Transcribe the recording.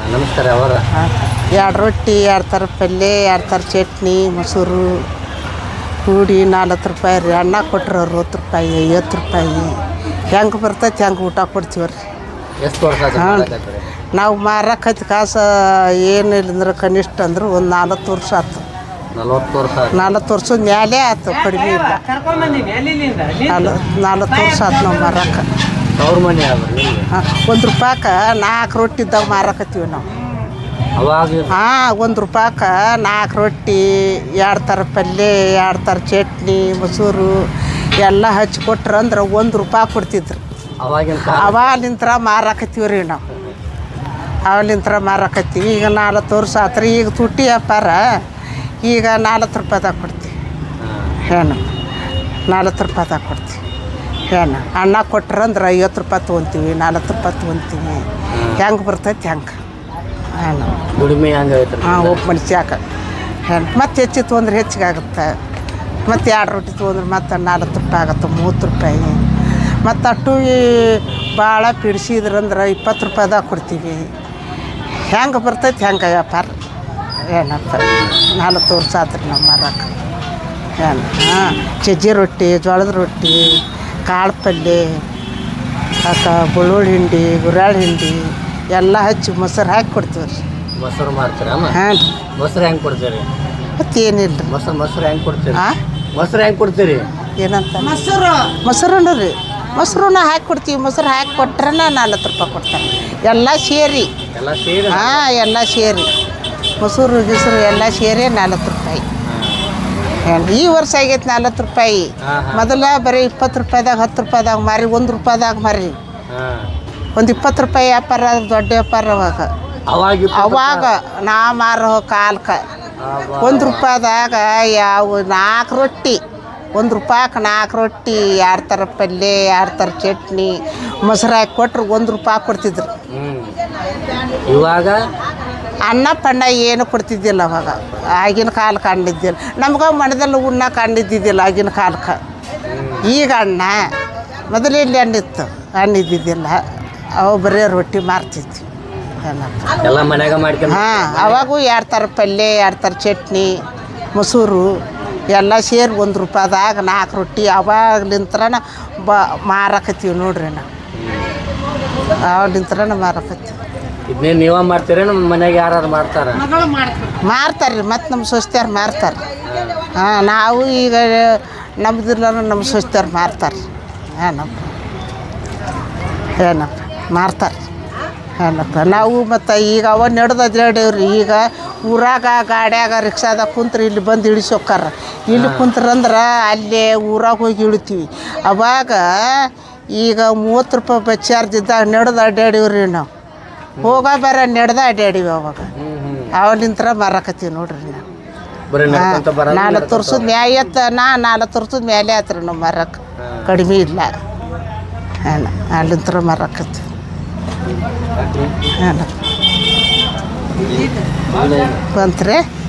ನಮಸ್ಕಾರ ಅವರ 2 ರೊಟ್ಟಿ 2 ಥರ ಪಲ್ಯ 2 ಥರ ಚಟ್ನಿ ಮೊಸರು ಕೂಡಿ 40 ರೂಪಾಯಿ ರೀ. ಅನ್ನ ಕೊಟ್ರೆ 60 ರೂಪಾಯಿ 50 ರೂಪಾಯಿ ಹೆಂಗೆ ಬರ್ತೈತೆ ಹೆಂಗೆ ಊಟ ಕೊಡ್ತೀವಿ ರೀ. ಎಷ್ಟು ವರ್ಷ ಆಯ್ತು? ನಾವು ಮಾರಕೈತಿ ಕಾಸು ಏನಿಲ್ಲ ಅಂದ್ರೆ ಕನಿಷ್ಠ ಅಂದ್ರೆ ಒಂದು 40 ವರ್ಷ ಆಯ್ತು. 40 ವರ್ಷ 40 ವರ್ಷದ ಮ್ಯಾಲೆ ಆಯ್ತು, ಕಡಿಮೆ ಇಲ್ಲ. 40 ವರ್ಷ ಆಯ್ತು ನಾವು ಮಾರಕ್ಕೆ. ಅವ್ರ ಮನೆ $1 ರೂಪಾಯ್ಗೆ 4 ರೊಟ್ಟಿ ಇದ್ದಾಗ ಮಾರಕತ್ತೀವಿ ನಾವು. ಅವಾಗ 1 ರೂಪಾಯ್ಗೆ 4 ರೊಟ್ಟಿ 2 ಥರ ಪಲ್ಯ 2 ಥರ ಚಟ್ನಿ ಮೊಸರು ಎಲ್ಲ ಹಚ್ಚಿ ಕೊಟ್ರೆ ಅಂದ್ರೆ $1 ರೂಪಾಯಿ ಕೊಡ್ತಿದ್ರು. ಅವಾಲಿಂತ್ರ ಮಾರಾಕತ್ತೀವಿ ರೀ ನಾವು. ಅವಾಲಿಂತ್ರ ಮಾರಾಕತ್ತೀವಿ. ಈಗ 40 ವರ್ಷ ಆತ್ರಿ. ಈಗ ತುಟ್ಟಿ ವ್ಯಾಪಾರ. ಈಗ 40 ರೂಪಾಯ್ದಾಗ ಕೊಡ್ತೀವಿ. ಏನು 40 ರೂಪಾಯ್ದಾಗ ಕೊಡ್ತೀವಿ. ಏನು ಅನ್ನ ಕೊಟ್ರೆ ಅಂದ್ರೆ 50 ರೂಪಾಯಿ ತೊಗೊತೀವಿ, 40 ರೂಪಾಯಿ ತೊಗೊತೀವಿ. ಹೆಂಗೆ ಬರ್ತೈತೆ ಹೆಂಗೆ. ಏನು ದುಡಿಮೆ ಹಂಗೆ ಒಬ್ಬ ಮನುಷ್ಯಾಕ ಏನು ಮತ್ತೆ ಹೆಚ್ಚು ತೊಗೊಂಡ್ರೆ ಹೆಚ್ಚಿಗೆ ಆಗುತ್ತೆ. ಮತ್ತು 2 ರೊಟ್ಟಿ ತೊಗೊಂಡ್ರೆ ಮತ್ತು 40 ರೂಪಾಯಿ ಆಗುತ್ತೆ, 30 ರೂಪಾಯಿ. ಮತ್ತು ಅಟ್ಟು ಭಾಳ ಪಿಡಿಸಿದ್ರಂದ್ರೆ 20 ರೂಪಾಯ್ದಾಗ ಕೊಡ್ತೀವಿ. ಹೆಂಗೆ ಬರ್ತೈತೆ ಹೆಂಗೆ ವ್ಯಾಪಾರ. ಏನಪ್ಪ 40 ವರ್ಷ ಆತ್ರಿ ನಾವು ಮಾರಕ್ಕೆ. ಏನು ಸಜ್ಜಿ ರೊಟ್ಟಿ ಜೋಳದ ರೊಟ್ಟಿ ಕಾಳು ಪಲ್ಯ ಬೆಳ್ಳುಳ್ಳಿ ಹಿಂಡಿ ಗುರಾಳ್ ಹಿಂಡಿ ಎಲ್ಲ ಹಚ್ಚಿ ಮೊಸರು ಹಾಕಿ ಕೊಡ್ತೀವಿ ರೀ. ಮೊಸರು ಮಾಡ್ತೀರಾ? ಹಾಂ ರೀ. ಮೊಸರು ಹೆಂಗೆ ಕೊಡ್ತೀರಿ? ಮತ್ತೇನಿಲ್ಲ ರೀ. ಮೊಸರು ಹೆಂಗೆ ಕೊಡ್ತೀರಿ? ಮೊಸರು ಹೆಂಗೆ ಕೊಡ್ತೀರಿ? ಏನಂತ ಮೊಸರು ರೀ. ಮೊಸರನ್ನ ಹಾಕಿ ಕೊಡ್ತೀವಿ. ಮೊಸರು ಹಾಕಿ ಕೊಟ್ರೆ 40 ರೂಪಾಯಿ ಕೊಡ್ತಾರೆ. ಎಲ್ಲ ಸೇರಿ ಎಲ್ಲ ಸೇರಿ ಮೊಸರು ಗಿಸರು ಎಲ್ಲ ಸೇರಿ 40 ರೂಪಾಯಿ. ಈ ವರ್ಷ ಆಗೈತೆ 40 ರೂಪಾಯಿ. ಮೊದಲ ಬರೀ 20 ರೂಪಾಯ್ದಾಗ 10 ರೂಪಾಯ್ದಾಗ ಮಾರಿ 1 ರೂಪಾಯ್ದಾಗ ಮಾರಿ ಒಂದು 20 ರೂಪಾಯಿ ವ್ಯಾಪಾರ ದೊಡ್ಡ ವ್ಯಾಪಾರ. ಅವಾಗ ನಾ ಮಾರೋ ಕಾಲಕ್ಕೆ 1 ರೂಪಾಯ್ದಾಗ ಯಾವ 4 ರೊಟ್ಟಿ 1 ರೂಪಾಯ್ಗೆ 4 ರೊಟ್ಟಿ 2 ಥರ ಪಲ್ಯ 2 ಥರ ಚಟ್ನಿ ಮೊಸರು ಹಾಕಿ ಕೊಟ್ರೆ 1 ರೂಪಾಯಿ ಕೊಡ್ತಿದ್ರು. ಇವಾಗ ಅನ್ನ ಪಣ್ಣ ಏನು ಕೊಡ್ತಿದ್ದಿಲ್ಲ ಅವಾಗ. ಆಗಿನ ಕಾಲಕ್ಕೆ ಕಂಡಿದ್ದಿಲ್ಲ ನಮ್ಗೆ ಮಣದಲ್ಲಿ ಉಣ್ಣ ಕಂಡಿದ್ದಿದ್ದಿಲ್ಲ ಆಗಿನ ಕಾಲಕ್ಕೆ. ಈಗ ಅಣ್ಣ ಮೊದಲೆಲ್ಲಿ ಹಣ್ಣಿತ್ತು, ಹಣ್ಣಿದ್ದಿದ್ದಿಲ್ಲ. ಅವು ಬರೀ ರೊಟ್ಟಿ ಮಾರ್ತಿದ್ವಿ. ಎಲ್ಲ ಮನ್ಯಾಗ ಮಾಡ್ಕೊಂಡು ಅವಾಗೂ 2 ಥರ ಪಲ್ಯ 2 ಥರ ಚಟ್ನಿ ಮೊಸರು ಎಲ್ಲ ಸೇರಿ 1 ರೂಪಾಯ್ದಾಗ 4 ರೊಟ್ಟಿ ಅವಾಗ್ಲಿಂತ್ರನ ಮಾರಕತ್ತೀವಿ ನೋಡ್ರಿ. ನಾವು ಅವಾಗ್ಲಿಂತ್ರನ ಮಾರಕತ್ತೀವಿ. ಇದನ್ನೇ ನೀವೇ ಮಾಡ್ತೀರ? ನಮ್ಮ ಮನೆಗೆ ಯಾರು ಮಾಡ್ತಾರೆ? ಮಾರ್ತಾರೆ ರೀ. ಮತ್ತು ನಮ್ಮ ಸೊಸ್ತ್ಯಾರು ಮಾರ್ತಾರೆ. ನಾವು ಈಗ ನಮ್ದಿಲ್ಲ ನಮ್ಮ ಸೊಸ್ತ್ಯಾರು ಮಾರ್ತಾರೆ. ಏನಪ್ಪ ಮಾರ್ತಾರೆ. ಏನಪ್ಪ ನಾವು ಮತ್ತು ಈಗ ಅವ ನಡೆದೇವ್ರಿ. ಈಗ ಊರಾಗ ಗಾಡ್ಯಾಗ ರಿಕ್ಷಾದಾಗ ಕುಂತ್ರೆ ಇಲ್ಲಿ ಬಂದು ಇಳಿಸೋಕ್ಕಾರ. ಇಲ್ಲಿ ಕುಂತ್ರಂದ್ರೆ ಅಲ್ಲೇ ಊರಾಗ ಹೋಗಿ ಇಳಿತೀವಿ. ಅವಾಗ ಈಗ 30 ರೂಪಾಯಿ ಬಸ್ ಚಾರ್ಜ್ ಇದ್ದಾಗ ನಡೆದು ಅಡ್ಡಾಡೀವ್ರಿ ನಾವು. ಹೋಗ ಬೇರೆ ನಡೆದ ಅಡ್ಡಾಡೀವಿ. ಅವಾಲಿಂತ್ರ ಮಾರಾಕತ್ತೀವಿ ನೋಡ್ರಿ ನಾವು. 40 ವರ್ಷದ ಮ್ಯಾಯತ್ತ 40 ವರ್ಷದ ಮೇಲೆ ಆತ್ರಿ ನಾವು ಮಾರಕ್ಕೆ. ಕಡಿಮೆ ಇಲ್ಲ. ಅಲ್ಲಿಂತ್ರ ಮಾರಾಕತ್ತೀವಿ. ಬಂತ್ರಿ